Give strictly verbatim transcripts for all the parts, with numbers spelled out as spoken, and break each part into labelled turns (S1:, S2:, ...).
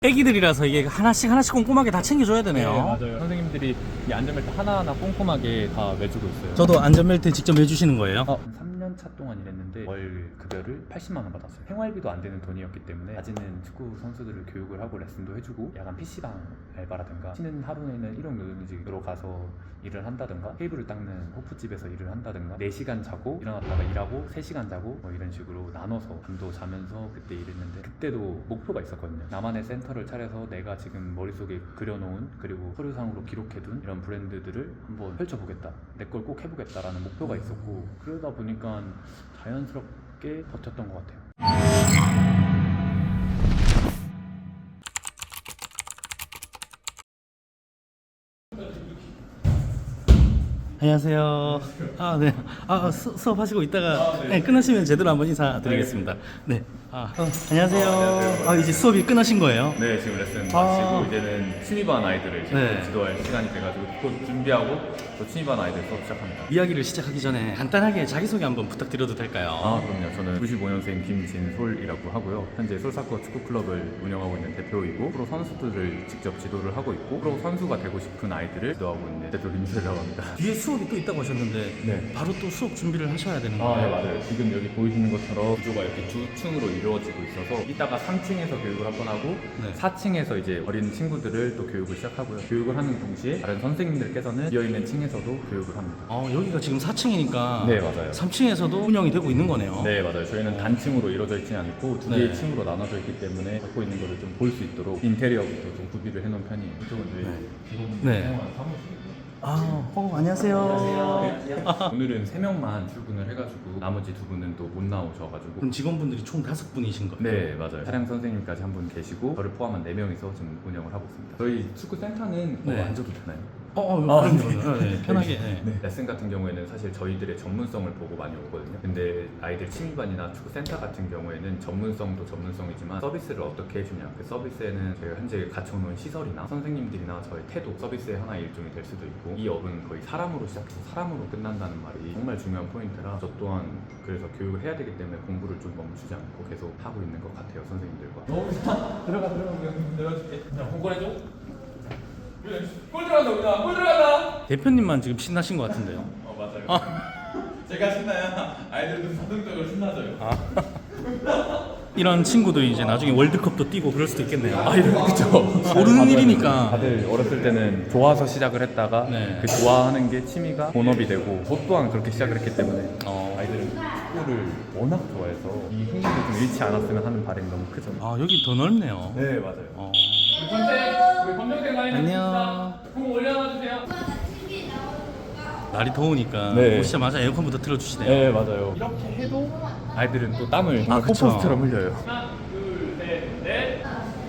S1: 애기들이라서 이게 하나씩 하나씩 꼼꼼하게 다 챙겨줘야 되네요.
S2: 네, 맞아요. 선생님들이 이 안전벨트 하나하나 꼼꼼하게 다 매주고 있어요.
S1: 저도 안전벨트 직접 매주시는 거예요?
S2: 어, 삼 년 차 동안 일했는데 월 급여를 팔십만 원 받았어요. 생활비도 안 되는 돈이었기 때문에 낮에는 축구 선수들을 교육을 하고 레슨도 해주고 야간 피시방 알바라든가 쉬는 하루에는 일용노동직으로 가서 일을 한다든가 테이블을 닦는 호프집에서 일을 한다든가 네 시간 자고 일어났다가 일하고 세 시간 자고 뭐 이런 식으로 나눠서 밤도 자면서 그때 일했는데 그때도 목표가 있었거든요. 나만의 센터를 차려서 내가 지금 머릿속에 그려놓은 그리고 서류상으로 기록해둔 이런 브랜드들을 한번 펼쳐보겠다, 내 걸 꼭 해보겠다라는 목표가 있었고 그러다 보니까 자연스럽게 버텼던 것 같아요.
S1: 안녕하세요. 아, 네. 아, 수, 수업하시고 있다가 네. 네, 끝나시면 제대로 한번 인사드리겠습니다. 네. 아, 어, 안녕하세요. 아, 이제 수업이 끝나신 거예요?
S2: 네, 지금 레슨
S1: 아.
S2: 마치고 이제는 취미반 아이들을 지금
S1: 네.
S2: 지도할 시간이 돼가지고 곧 준비하고 또 취미반 아이들 수업 시작합니다.
S1: 이야기를 시작하기 전에 간단하게 자기소개 한번 부탁드려도 될까요?
S2: 아, 그럼요. 저는 구십오 년생 김진솔이라고 하고요. 현재 솔사커 축구클럽을 운영하고 있는 대표이고 프로 선수들을 직접 지도를 하고 있고 프로 선수가 되고 싶은 아이들을 지도하고 있는 대표 김진솔이라고 합니다.
S1: 뒤에 수업이 또 있다고 하셨는데
S2: 네.
S1: 바로 또 수업 준비를 하셔야 되는 거예요?
S2: 아, 네, 맞아요. 지금 여기 보이시는 것처럼 구조가 이렇게 두 층으로 이루어지고 있어서 이따가 삼 층에서 교육을 한 번 하고
S1: 네.
S2: 사 층에서 이제 어린 친구들을 또 교육을 시작하고요. 교육을 하는 동시에 다른 선생님들께서는 비어있는 층에서도 교육을 합니다.
S1: 어, 여기가 지금 사 층이니까
S2: 네, 맞아요.
S1: 삼 층에서도 운영이 되고 있는 거네요.
S2: 네, 맞아요. 저희는 단층으로 이루어져 있지 않고 두
S1: 네.
S2: 개의 층으로 나눠져 있기 때문에 갖고 있는 거를 좀 볼 수 있도록 인테리어부터 좀 구비를 해놓은 편이에요. 이쪽은 저희 직원분들
S1: 네.
S2: 사용하는 사무실이고요.
S1: 아, 어, 안녕하세요.
S2: 오늘은 세 명만 출근을 해가지고 나머지 두 분은 또 못 나오셔가지고
S1: 그럼 직원분들이 총 다섯 분이신 거예요?
S2: 네, 맞아요. 차량 선생님까지 한 분 계시고 저를 포함한 네 명이서 지금 운영을 하고 있습니다. 저희 축구 센터는
S1: 네.
S2: 뭐 앉아도 되나요?
S1: 어, 어,
S2: 아,
S1: 그럼요. 네. 네, 편하게. 네.
S2: 네. 레슨 같은 경우에는 사실 저희들의 전문성을 보고 많이 오거든요. 근데 아이들 취미반이나 축구센터 같은 경우에는 전문성도 전문성이지만 서비스를 어떻게 해주냐. 그 서비스에는 저희가 현재 갖춰놓은 시설이나 선생님들이나 저의 태도, 서비스의 하나의 일종이 될 수도 있고 이 업은 거의 사람으로 시작해서 사람으로 끝난다는 말이 정말 중요한 포인트라 저 또한 그래서 교육을 해야 되기 때문에 공부를 좀 멈추지 않고 계속 하고 있는 것 같아요, 선생님들과.
S3: 너무 좋다. 들어가 들어가 내려줄게. 자, 공권해줘. 골 들어간다 우리나. 골 들어간다.
S1: 대표님만 지금 신나신 것 같은데요?
S3: 어 맞아요.
S1: 아.
S3: 제가 신나야 아이들도 자동적으로 신나져요.
S1: 아. 이런 친구들이 이제 나중에 월드컵도 뛰고 그럴 수도 있겠네요.
S2: 아, 이런 그죠.
S1: 모르는 일이니까.
S2: 다들 어렸을 때는 좋아서 시작을 했다가
S1: 네.
S2: 그 좋아하는 게 취미가 본업이 되고 저 또한 그렇게 시작을 했기 때문에
S1: 어.
S2: 아이들은 축구를 워낙 좋아해서 이 흥미를 좀 잃지 않았으면 하는 바람이 너무 크죠.
S1: 아, 여기 더 넓네요.
S2: 네, 맞아요.
S1: 어.
S3: 우리 검색 우리 검정색 라인
S1: 안녕.
S3: 공 올려놔 주세요.
S1: 날이 더우니까
S2: 네.
S1: 오시자마자 에어컨부터 틀어주시네요.
S2: 네, 맞아요. 이렇게 해도 아이들은 또 땀을
S1: 아, 그쵸.
S2: 폭포수처럼 흘려요.
S3: 하나, 둘, 셋, 넷.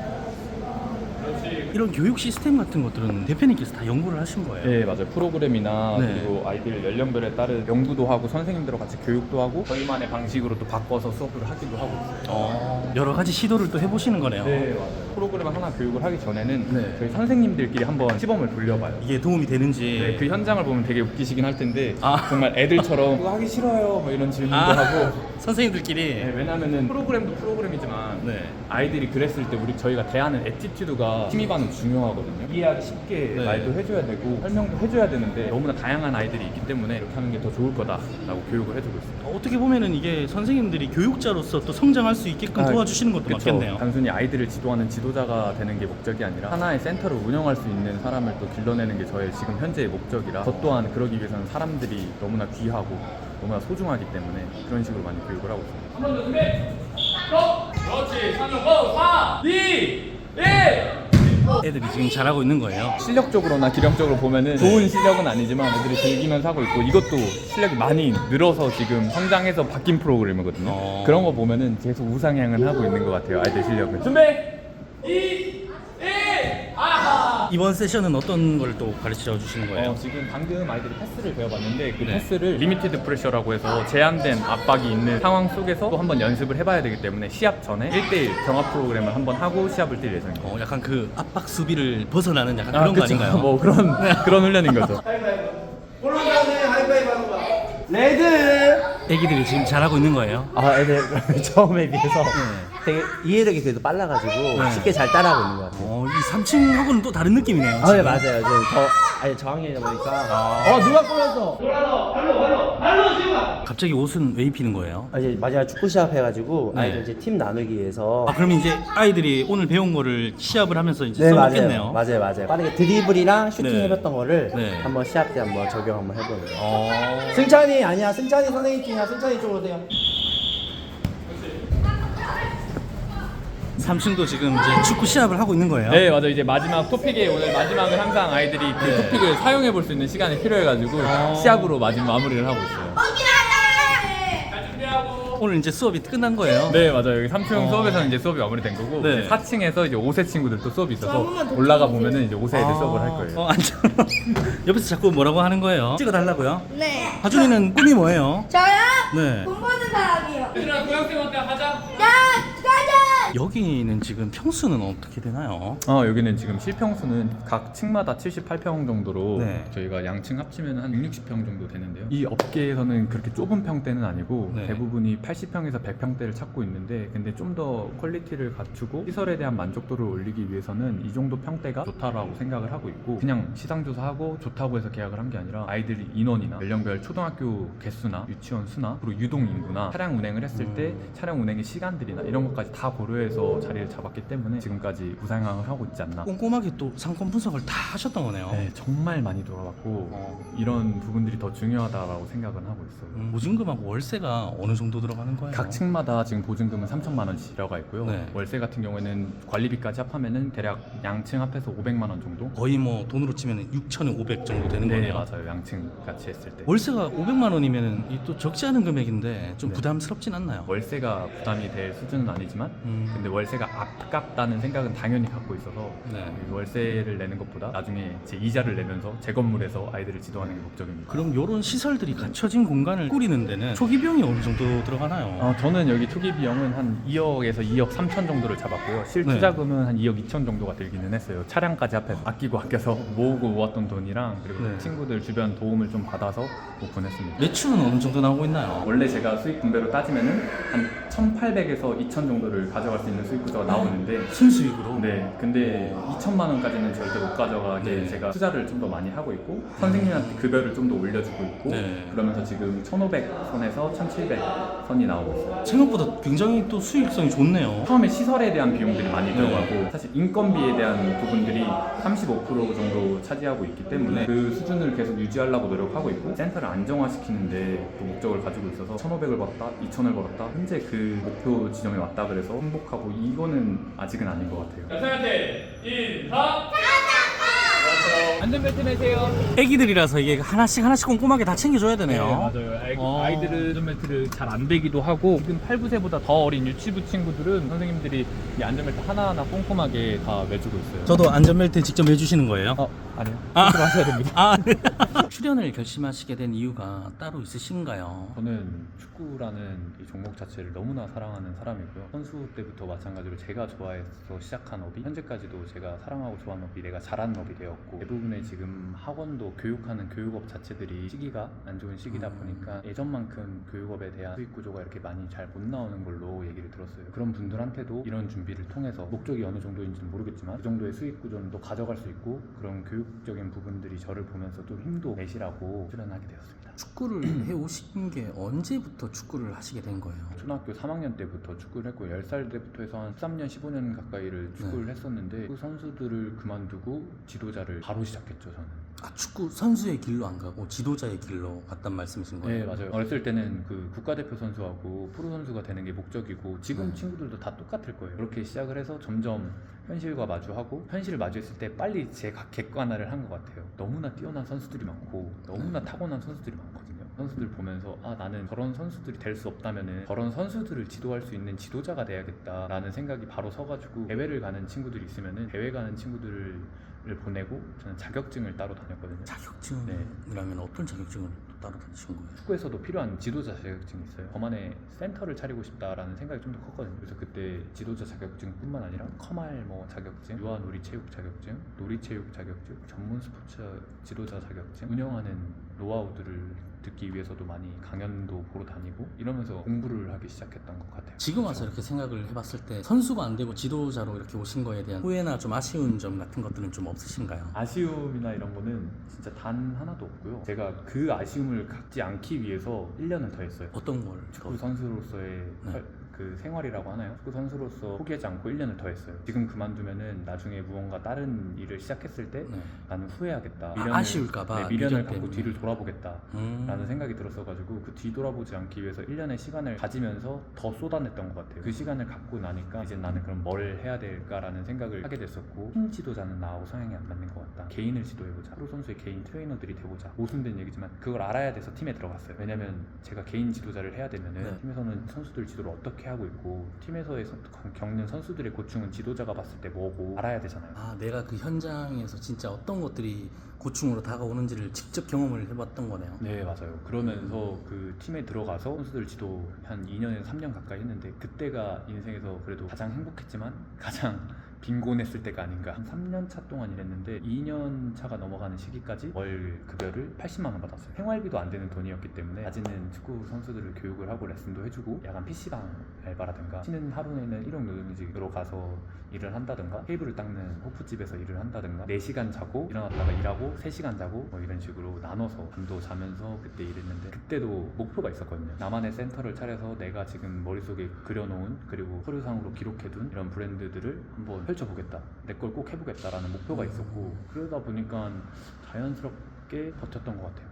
S3: 그렇지.
S1: 이런 교육 시스템 같은 것들은 대표님께서 다 연구를 하신 거예요?
S2: 네, 맞아요. 프로그램이나
S1: 네.
S2: 그리고 아이들 연령별에 따른 연구도 하고 선생님들과 같이 교육도 하고 저희만의 방식으로 또 바꿔서 수업을 하기도 하고 있어요.
S1: 어, 여러 가지 시도를 또 해보시는 거네요.
S2: 네, 맞아요. 프로그램을 하나 교육을 하기 전에는
S1: 네.
S2: 저희 선생님들끼리 한번 시범을 돌려봐요.
S1: 이게 도움이 되는지.
S2: 네, 그 현장을 보면 되게 웃기시긴 할 텐데
S1: 아.
S2: 정말 애들처럼 그거 하기 싫어요 뭐 이런 질문도
S1: 아,
S2: 하고
S1: 선생님들끼리.
S2: 네, 왜냐면은 프로그램도 프로그램이지만
S1: 네.
S2: 아이들이 그랬을 때 우리 저희가 대하는 애티튜드가 취미반은 중요하거든요. 이해하기 쉽게
S1: 네.
S2: 말도 해줘야 되고 설명도 해줘야 되는데 너무나 다양한 아이들이 있기 때문에 이렇게 하는 게 더 좋을 거다라고 교육을 해주고 있습니다.
S1: 어떻게 보면은 이게 선생님들이 교육자로서 또 성장할 수 있게끔
S2: 아,
S1: 도와주시는 것도
S2: 그쵸.
S1: 맞겠네요.
S2: 단순히 아이들을 지도하는 지도자가 되는 게 목적이 아니라 하나의 센터를 운영할 수 있는 사람을 또 길러내는 게 저의 지금 현재의 목적이라 저 또한 그러기 위해서는 사람들이 너무나 귀하고 너무나 소중하기 때문에 그런 식으로 많이 교육을 하고 있습니다.
S3: 한 번 더 준비. 고! 그렇지. 삼 점 고! 사, 이, 일.
S1: 애들이 지금 잘하고 있는 거예요.
S2: 실력적으로나 기량적으로 보면은 좋은 실력은 아니지만 애들이 즐기면서 하고 있고 이것도 실력이 많이 늘어서 지금 성장해서 바뀐 프로그램이거든요.
S1: 어.
S2: 그런 거 보면은 계속 우상향은 하고 있는 것 같아요, 아이들 실력은.
S3: 준비. 이, 일. 아하.
S1: 이번 세션은 어떤 걸 또 가르쳐 주시는 거예요?
S2: 어, 지금 방금 아이들이 패스를 배워봤는데 그
S1: 네.
S2: 패스를 리미티드 프레셔라고 해서 제한된 압박이 있는 상황 속에서 또 한번 연습을 해봐야 되기 때문에 시합 전에 일 대일 경합 프로그램을 한번 하고 시합을 뛸 예정입니다.
S1: 어, 약간 그 압박 수비를 벗어나는 약간 그런 거
S2: 그쵸.
S1: 아닌가요?
S2: 뭐 그런 그런 훈련인 거죠.
S1: 애기들이 지금 잘하고 있는 거예요?
S2: 아, 애들 처음에 비해서
S4: 되게 이해력이 그래도 빨라가지고
S1: 네.
S4: 쉽게 잘 따라하고 있는 것 같아요.
S1: 어, 이 삼 층하고는 또 다른 느낌이네요.
S4: 아, 네,
S1: 지금.
S4: 맞아요. 지금 더 아니 저학년이다 보니까 어 누가 꼬였어?
S1: 갑자기 옷은 왜 입히는 거예요?
S4: 아, 이제 마지막 축구 시합 해가지고
S1: 네.
S4: 아이들 이제 팀 나누기 위해서
S1: 아, 그럼 이제 아이들이 오늘 배운 거를 시합을 하면서 이제
S4: 네
S1: 써먹겠네요.
S4: 맞아요, 맞아요, 맞아요. 빠르게 드리블이랑 슈팅
S1: 네.
S4: 해봤던 거를
S1: 네.
S4: 한번 시합 때 한번 적용 한번 해보는 거예요.
S1: 어.
S4: 승찬이 아니야, 승찬이 선생님 팀이야. 승찬이 쪽으로 오세요.
S1: 삼 층도 지금 이제 축구 시합을 하고 있는 거예요.
S3: 네 맞아요. 이제 마지막 토픽에 오늘 마지막은 항상 아이들이 그
S1: 네.
S3: 토픽을 사용해 볼 수 있는 시간이 필요해가지고 시합으로 마지막 마무리를 하고 있어요. 잘 준비하고.
S1: 오늘 이제 수업이 끝난 거예요.
S3: 네 맞아요. 여기 삼 층
S1: 어.
S3: 수업에서는 이제 수업이 마무리된 거고
S1: 네.
S3: 이제 사 층에서 이제 오 세 친구들 또 수업이 있어서 올라가 보면은 이제 오 세 애들 수업을 할 거예요.
S1: 어, 앉아. 옆에서 자꾸 뭐라고 하는 거예요? 찍어달라고요?
S5: 네.
S1: 하준이는 꿈이 뭐예요?
S5: 저요?
S1: 네.
S5: 공부하는 사람이요.
S3: 얘들아 고양생한테 가자.
S5: 야, 가자.
S1: 여기는 지금 평수는 어떻게 되나요?
S3: 어 여기는 지금 실평수는 각 층마다 칠십팔 평 정도로
S1: 네.
S3: 저희가 양층 합치면 한 육육십 평 정도 되는데요. 이 업계에서는 그렇게 좁은 평대는 아니고
S1: 네.
S3: 대부분이 팔십 평에서 백 평대를 찾고 있는데 근데 좀 더 퀄리티를 갖추고 시설에 대한 만족도를 올리기 위해서는 이 정도 평대가 좋다라고 생각을 하고 있고 그냥 시상조사하고 좋다고 해서 계약을 한 게 아니라 아이들이 인원이나 연령별 초등학교 개수나 유치원 수나 그리고 유동 인구나 차량 운행을 했을 때 차량 운행의 시간들이나 이런 것까지 다 고려해서 자리를 잡았기 때문에 지금까지 부상항을 하고 있지 않나.
S1: 꼼꼼하게 또 상권 분석을 다 하셨던 거네요.
S3: 네, 정말 많이 돌아봤고
S1: 어.
S3: 이런 부분들이 더 중요하다라고 생각은 하고 있어요.
S1: 음, 보증금하고 월세가 어느 정도 들어가는 거예요?
S3: 각 층마다 지금 보증금은 삼천만 원씩 들어가 있고요.
S1: 네.
S3: 월세 같은 경우에는 관리비까지 합하면은 대략 양층 합해서 오백만 원 정도.
S1: 거의 뭐 돈으로 치면 육천오백 정도 되는
S3: 네,
S1: 거네요.
S3: 맞아요. 양층 같이 했을 때.
S1: 월세가 오백만 원이면 또 적지 않은 금액인데 좀
S3: 네.
S1: 부담스럽진 않나요?
S3: 월세가 부담이 될 수준은 아니지만
S1: 음.
S3: 근데 월세가 아깝다는 생각은 당연히 갖고 있어서
S1: 네.
S3: 이 월세를 내는 것보다 나중에 제 이자를 내면서 제 건물에서 아이들을 지도하는 게 목적입니다.
S1: 그럼 이런 시설들이 갖춰진 공간을 꾸리는 데는 초기 비용이 어느 정도 들어가나요?
S3: 어, 저는 여기 초기 비용은 한 이억에서 이억 삼천 정도를 잡았고요. 실투자금은 한 이억 이천 정도가 들기는 했어요. 차량까지 합해서 아끼고 아껴서 모으고 모았던 돈이랑 그리고
S1: 네.
S3: 친구들 주변 도움을 좀 받아서 오픈했습니다.
S1: 매출은 어느 정도 나오고 있나요?
S3: 원래 제가 수익 분배로 따지면은 한 천팔백에서 이천 정도를 가져갈 수 있는 수익 구조가 나오는데
S1: 순수익으로?
S3: 네, 근데 이천만 원까지는 절대 못 가져가게
S1: 네.
S3: 제가 투자를 좀 더 많이 하고 있고 선생님한테 급여를 좀 더 올려주고 있고
S1: 네.
S3: 그러면서 지금 천오백 선에서 천칠백 선이 나오고 있어요.
S1: 생각보다 굉장히 또 수익성이 좋네요.
S3: 처음에 시설에 대한 비용들이 많이
S1: 네.
S3: 들어가고 사실 인건비에 대한 부분들이 삼십오 퍼센트 정도 차지하고 있기 때문에
S1: 네.
S3: 그 수준을 계속 유지하려고 노력하고 있고 센터를 안정화시키는데 또 목적을 가지고 있어서 천오백을 벌었다, 이천을 벌었다 현재 그 목표 지점에 왔다 그래서 행복하고 이거는 아직은 아닌 것 같아요.
S6: 선생님한테 인사. 안전벨트 매세요.
S1: 애기들이라서 이게 하나씩 하나씩 꼼꼼하게 다 챙겨줘야 되네요.
S6: 맞아요. 아이,
S1: 어.
S6: 아이들은 안전벨트를 잘 안 매기도 하고 지금 팔, 구 세보다 더 어린 유치부 친구들은 선생님들이 이 안전벨트 하나하나 꼼꼼하게 다 매주고 있어요.
S1: 저도 안전벨트 직접 매주시는 거예요?
S6: 어, 아니요.
S1: 아.
S6: 하셔야 됩니다.
S1: 아, 출연을 결심하시게 된 이유가 따로 있으신가요?
S3: 저는 축구라는 이 종목 자체를 너무나 사랑하는 사람이고요. 선수 때부터 마찬가지로 제가 좋아해서 시작한 업이 현재까지도 제가 사랑하고 좋아하는 업이 내가 잘하는 업이 되었고 대부분의 지금 학원도 교육하는 교육업 자체들이 시기가 안 좋은 시기다 보니까 예전만큼 교육업에 대한 수익 구조가 이렇게 많이 잘 못 나오는 걸로 얘기를 들었어요. 그런 분들한테도 이런 준비를 통해서 목적이 어느 정도인지는 모르겠지만 이 정도의 수익 구조는 또 가져갈 수 있고 그런 교육적인 부분들이 저를 보면서도 힘도 내시라고 출연하게 되었습니다.
S1: 축구를 해오신 게 언제부터 축구를 하시게 된 거예요?
S3: 초등학교 삼 학년 때부터 축구를 했고 열 살 때부터 해서 한 십삼 년, 십오 년 가까이를 축구를
S1: 네.
S3: 했었는데 그 선수들을 그만두고 지도자를 바로 시작했죠. 저는.
S1: 아, 축구 선수의 길로 안 가고 지도자의 길로 갔단 말씀이신 거예요?
S3: 네, 맞아요. 어렸을 때는 그 국가대표 선수하고 프로 선수가 되는 게 목적이고 지금
S1: 네.
S3: 친구들도 다 똑같을 거예요. 그렇게 시작을 해서 점점 현실과 마주하고 현실을 마주했을 때 빨리 제가 객관화를 한 것 같아요. 너무나 뛰어난 선수들이 많고 너무나 타고난 선수들이 많거든요. 선수들 보면서 아 나는 저런 선수들이 될 수 없다면은 저런 선수들을 지도할 수 있는 지도자가 돼야겠다라는 생각이 바로 서가지고 대회를 가는 친구들이 있으면은 대회 가는 친구들을 보내고 저는 자격증을 따로 다녔거든요.
S1: 자격증이라면 어떤 자격증을? 따로 다니신 거예요?
S2: 축구에서도 필요한 지도자 자격증이 있어요. 저만의 센터를 차리고 싶다라는 생각이 좀 더 컸거든요. 그래서 그때 지도자 자격증뿐만 아니라 커말 뭐 자격증, 유아 놀이체육 자격증, 놀이체육 자격증, 전문 스포츠 지도자 자격증, 운영하는 노하우들을 듣기 위해서도 많이 강연도 보러 다니고 이러면서 공부를 하기 시작했던 것 같아요.
S1: 지금 와서 이렇게 생각을 해봤을 때 선수가 안 되고 지도자로 이렇게 오신 거에 대한 후회나 좀 아쉬운 점 같은 것들은 좀 없으신가요?
S2: 아쉬움이나 이런 거는 진짜 단 하나도 없고요. 제가 그 아쉬움을 갖지 않기 위해서 일 년을 더 했어요.
S1: 어떤 걸?
S2: 축구 선수로서의
S1: 네.
S2: 할- 그 생활이라고 하나요? 축구 선수로서 포기하지 않고 일 년을 더 했어요. 지금 그만두면은 나중에 무언가 다른 일을 시작했을 때
S1: 네.
S2: 나는 후회하겠다.
S1: 아, 아쉬울까봐,
S2: 네, 미련을
S1: 미련
S2: 갖고
S1: 때문에.
S2: 뒤를 돌아보겠다.
S1: 음.
S2: 라는 생각이 들었어가지고 그 뒤돌아보지 않기 위해서 일 년의 시간을 가지면서 더 쏟아냈던 것 같아요. 그 시간을 갖고 나니까 이제 나는 그럼 뭘 해야 될까라는 생각을 하게 됐었고, 팀 지도자는 나하고 성향이 안 맞는 것 같다. 개인을 지도해보자. 프로 선수의 개인 트레이너들이 돼보자. 모순된 얘기지만 그걸 알아야 돼서 팀에 들어갔어요. 왜냐면 제가 개인 지도자를 해야 되면은
S1: 네.
S2: 팀에서는 선수들 지도를 어떻게 하고 있고 팀에서의 선- 겪는 선수들의 고충은 지도자가 봤을 때 뭐고 알아야 되잖아요.
S1: 아, 내가 그 현장에서 진짜 어떤 것들이 고충으로 다가오는지를 직접 경험을 해봤던 거네요.
S2: 네, 맞아요. 그러면서 그 팀에 들어가서 선수들 지도 한 이 년에서 삼 년 가까이 했는데 그때가 인생에서 그래도 가장 행복했지만 가장 빈곤했을 때가 아닌가. 한 삼 년 차 동안 일했는데 이 년 차가 넘어가는 시기까지 월 급여를 팔십만 원 받았어요. 생활비도 안 되는 돈이었기 때문에 낮에는 축구 선수들을 교육을 하고 레슨도 해주고 야간 피시방 알바라든가 쉬는 하루에는 일용 노동직으로 가서 일을 한다든가 테이블을 닦는 호프집에서 일을 한다든가 네 시간 자고 일어났다가 일하고 세 시간 자고 뭐 이런 식으로 나눠서 밤도 자면서 그때 일했는데 그때도 목표가 있었거든요. 나만의 센터를 차려서 내가 지금 머릿속에 그려놓은 그리고 서류상으로 기록해둔 이런 브랜드들을 한번 펼쳐보겠다. 내 걸 꼭 해보겠다라는 목표가 있었고 그러다 보니까 자연스럽게 버텼던 것 같아요.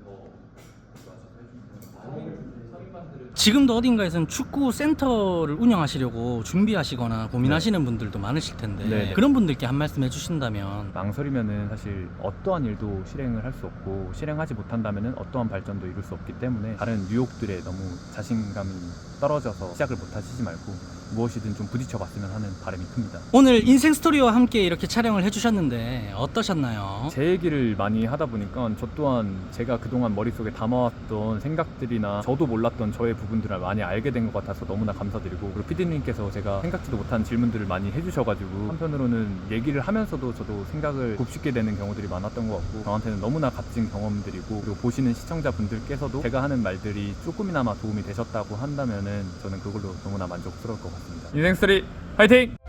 S1: 지금도 어딘가에서는 축구 센터를 운영하시려고 준비하시거나 고민하시는 분들도 많으실 텐데
S2: 네.
S1: 그런 분들께 한 말씀 해주신다면.
S2: 망설이면은 사실 어떠한 일도 실행을 할 수 없고 실행하지 못한다면은 어떠한 발전도 이룰 수 없기 때문에 다른 유혹들에 너무 자신감이 떨어져서 시작을 못 하시지 말고 무엇이든 좀 부딪혀 봤으면 하는 바람이 큽니다.
S1: 오늘 인생 스토리와 함께 이렇게 촬영을 해주셨는데 어떠셨나요?
S2: 제 얘기를 많이 하다 보니까 저 또한 제가 그동안 머릿속에 담아왔던 생각들이나 저도 몰랐던 저의 부분들을 많이 알게 된 것 같아서 너무나 감사드리고 그리고 피디님께서 제가 생각지도 못한 질문들을 많이 해주셔가지고 한편으로는 얘기를 하면서도 저도 생각을 곱씹게 되는 경우들이 많았던 것 같고 저한테는 너무나 값진 경험들이고 그리고 보시는 시청자분들께서도 제가 하는 말들이 조금이나마 도움이 되셨다고 한다면은 저는 그걸로 너무나 만족스러울 것 같습니다. 인생 스토리 화이팅!